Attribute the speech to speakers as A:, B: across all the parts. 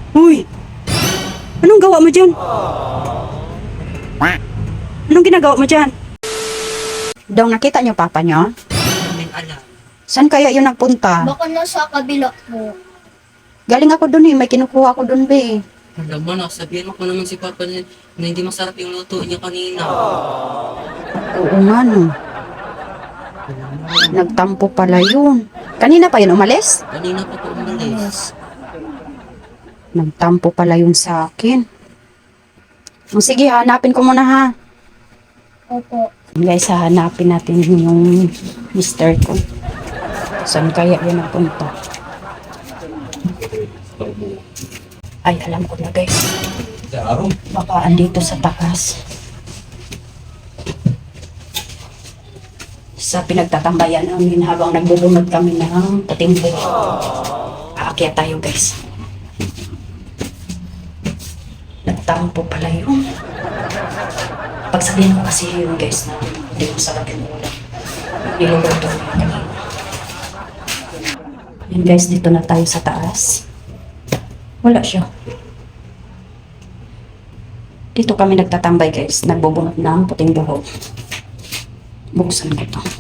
A: Uy! Anong gawa mo dyan? Anong ginagawa mo dyan? Dong, nakita niyo papa niyo?
B: Namin alam.
A: Saan kaya yun nagpunta?
C: Baka nasa kabila po.
A: Galing ako dun eh, may kinukuha ko dun be.
B: Alam mo na, sabihin mo ko naman si Papa na hindi masarap yung luto niya kanina.
A: Oo nga no. Nagtampo pala yun. Kanina pa yun umalis?
B: Kanina pa po umalis.
A: Nagtampo pala yun sa akin. O, sige, hanapin ko muna ha.
C: Opo.
A: Guys, hahanapin natin yung mister ko. Saan kaya yan napunta? Ay, alam ko na guys. Baka andito sa taas. Sa pinagtatambayan namin habang nagbubunod kami ng puting buhok. Aakyat tayo guys. Nagtampo pala yun. Pagsabihin ko kasi yun guys na hindi ko sarap yung ulam. Niluluto ko yung kanina. Yan guys, dito na tayo sa taas. Wala siya. Dito kami nagtatambay guys. Nagbubunot ng puting buhok. Buksan ko to.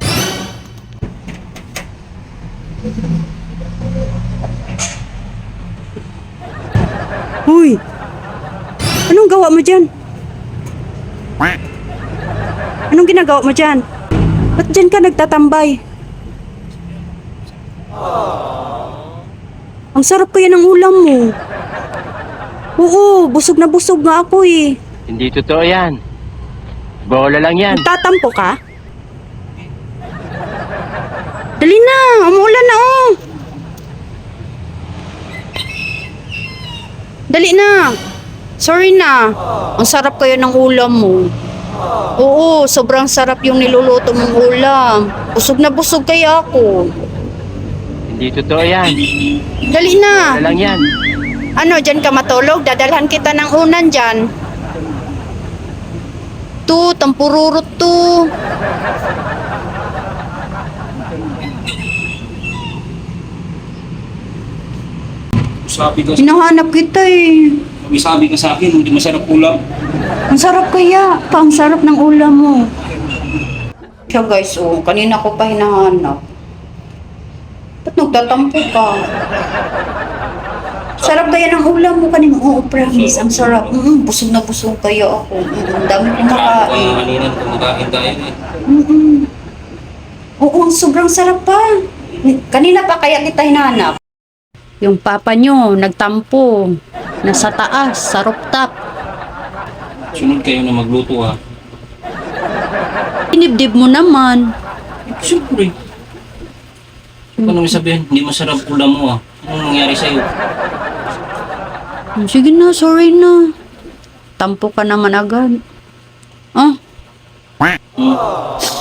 A: Uy! Anong gawa mo dyan? Anong ginagawa mo dyan? Ba't dyan ka nagtatambay? Ang sarap kaya ng ulam mo. Oo, busog na busog nga ako eh.
D: Hindi totoo yan. Bola lang yan.
A: Nagtatampo ka? Dali na, umuulan na oh. Dali na. Sorry na. Ang sarap kaya ng ulam mo. Oo, sobrang sarap yung niluluto mong ulam. Busog na busog kaya ako.
D: Hindi totoo yan.
A: Dali na.
D: Bola lang yan.
A: Ano, dyan ka matulog? Dadalhan kita ng unan dyan. Tu, tampururot tu.
E: Sabi ka,
A: Hinahanap kita eh.
E: sabi ka sa akin, hindi masarap ulam.
A: Ang sarap kaya. Ang sarap ng ulam mo. Siya guys, oh, kanina ko pa hinahanap. Ba't nagtatampo ka? Sarap kaya ng ulam mo kanina. Oo, promise. Ang sarap. Busog na busog kaya ako. Ang dami kong makain.
E: Kanina, kumakain tayo eh.
A: Oo, ang sobrang sarap pa. Kanina pa kaya kita hinahanap. Yung papa nyo, nagtampo. Nasa taas, sa rooftop.
E: Sunod kayo na magluto ha.
A: Inibdib mo naman.
E: Siyempre. Ano may sabihin? Hindi masarap ulam mo ha. Anong nangyari sa'yo?
A: Sige na, sorry na. Tampo ka naman agad. Ah,
E: Hmm?